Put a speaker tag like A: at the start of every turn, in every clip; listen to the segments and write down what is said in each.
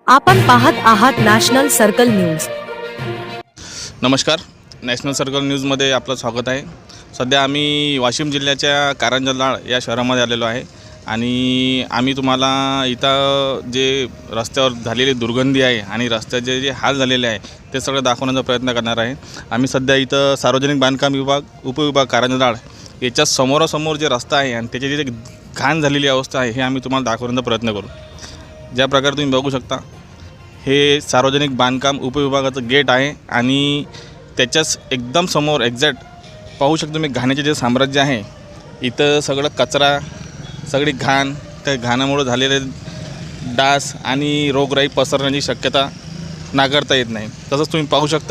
A: आपण पाहत आहात नॅशनल सर्कल न्यूज।
B: नमस्कार, नॅशनल सर्कल न्यूजमध्ये आपलं स्वागत आहे। सध्या आम्ही वाशिम जिल्ह्याच्या कारंजलाळ या शहरामध्ये आलेलो आहे आणि आम्ही तुम्हाला इथं जे रस्त्यावर झालेली दुर्गंधी आहे आणि रस्त्याचे जे हाल झालेले आहे ते सगळं दाखवण्याचा प्रयत्न करणार आहे। आम्ही सध्या इथं सार्वजनिक बांधकाम विभाग उपविभाग कारंजलाळ याच्या समोरासमोर जे रस्ता आहे आणि त्याची जे घाण झालेली अवस्था आहे हे आम्ही तुम्हाला दाखवण्याचा प्रयत्न करू। ज्या प्रकारे तुम्ही बघू शकता हे सार्वजनिक बांधकाम उपविभागाचं गेट आहे आणि त्याच्याच एकदम समोर एक्झॅक्ट पाहू शकतो तुम्ही घाण्याचे जे साम्राज्य आहे। इथं सगळं कचरा, सगळी घाण, त्या घाणामुळे झालेले डास आणि रोगराई पसरण्याची शक्यता नाकारता येत नाही। तसंच तुम्ही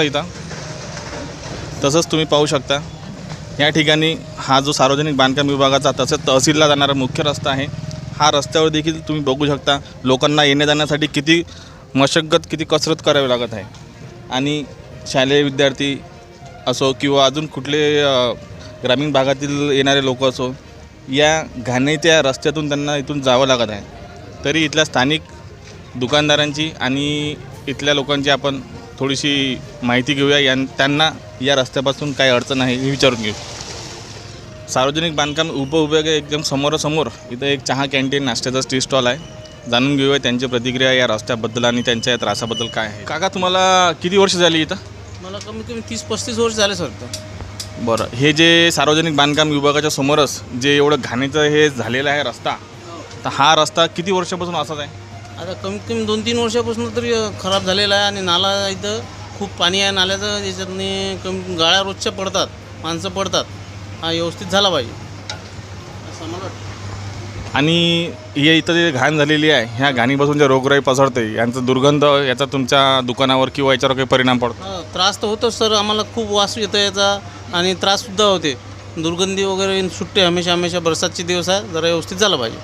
B: पाहू शकता या ठिकाणी हा जो सार्वजनिक बांधकाम विभागाचा तसंच तहसीलला जाणारा मुख्य रस्ता आहे। हा रस्त्यावर देखील तुम्ही बघू शकता लोकांना येण्या जाण्यासाठी किती मशक्कत, किती कसरत करावी लागत आहे आणि शालेय विद्यार्थी असो किंवा अजून कुठले ग्रामीण भागातील येणारे लोक असो, या घाणीच्या रस्त्यातून त्यांना इथून जावं लागत आहे। तरी इथल्या स्थानिक दुकानदारांची आणि इथल्या लोकांची आपण थोडीशी माहिती घेऊया, त्यांना या रस्त्यापासून काय अडचण आहे हे विचारून घेऊ। सार्वजनिक बांधकाम उपविभाग एकदम समोरासमोर इथं एक चहा कॅन्टीन, नाश्त्याचा टी स्टॉल आहे। जाणून घेऊया त्यांची प्रतिक्रिया या रस्त्याबद्दल आणि त्यांच्या या त्रासाबद्दल काय आहे। काका, तुम्हाला किती वर्ष झाली इथं?
C: मला कमीत कमी 30-35 वर्ष झाले सर।
B: बरं, हे जे सार्वजनिक बांधकाम विभागाच्या समोरच जे एवढं घाणीचं हे झालेलं आहे रस्ता, तर हा रस्ता किती वर्षापासून असाच आहे?
C: आता कमीत कमी 2-3 वर्षापासून तरी खराब झालेला आहे आणि नाला इथं खूप पाणी आहे नाल्याचं, याच्यातनी कमी गाळ्या रोजच्या पडतात, माणसं पडतात। हा व्यवस्थित झाला पाहिजे असं मला वाटतं।
B: आणि हे इथं जे घाण झालेली आहे ह्या घाणीपासून जे रोगराई पसरते, यांचा दुर्गंध याचा तुमच्या दुकानावर किंवा याच्यावर काही परिणाम पडतो?
C: त्रास तर होतोच सर, आम्हाला खूप वास येतो याचा आणि त्राससुद्धा होते। दुर्गंधी वगैरे सुट्टे हमेशा बरसातचे दिवस आहे, जरा व्यवस्थित झालं पाहिजे।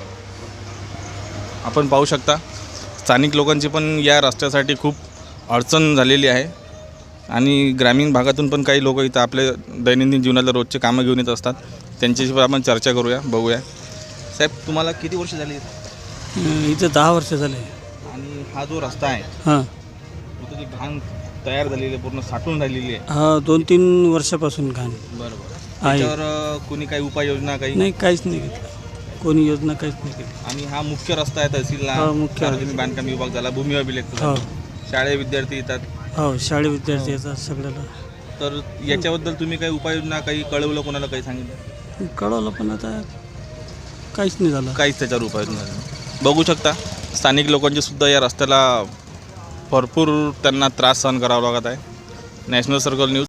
B: आपण पाहू शकता स्थानिक लोकांची पण या रस्त्यासाठी खूप अडचण झालेली आहे आणि ग्रामीण भागातून पण काही लोक इथं आपले दैनंदिन जीवनाला रोजचे कामं घेऊन येत असतात। त्यांच्याशी पण आपण चर्चा करूया, बघूया। साहेब, तुम्हाला किती वर्ष झाली
D: इथं 10 वर्ष झाले।
B: आणि हा जो रस्ता आहे
D: हां,
B: इथं जी घाण तयार झालेली आहे, पूर्ण साठून राहिलेली आहे?
D: हा 2-3 वर्षापासून घाण
B: बरोबर।
D: आहे।
B: त्याच्यावर कोणी काही उपाययोजना काही?
D: नाही, काहीच नाही घेतलं कोणी, योजना काहीच नाही केली।
B: आणि हा मुख्य रस्ता आहे तहसीलला,
D: मुख्य
B: सार्वजनिक बांधकाम विभाग झाला, भूमी अभिलेख,
D: हो
B: शाळेत विद्यार्थी येतात,
D: हो शाळे विद्यार्थी येतात सगळ्याला।
B: तर याच्याबद्दल तुम्ही काही उपाययोजना काही कळवलं, कोणाला काही सांगितलं?
D: कळवलं पण आता काहीच नाही झालं,
B: काहीच त्याच्यावर उपाययोजना नाही। बघू शकता स्थानिक लोकांचे सुद्धा या रस्त्याला भरपूर त्यांना त्रास सहन करावा लागत आहे। National circle news.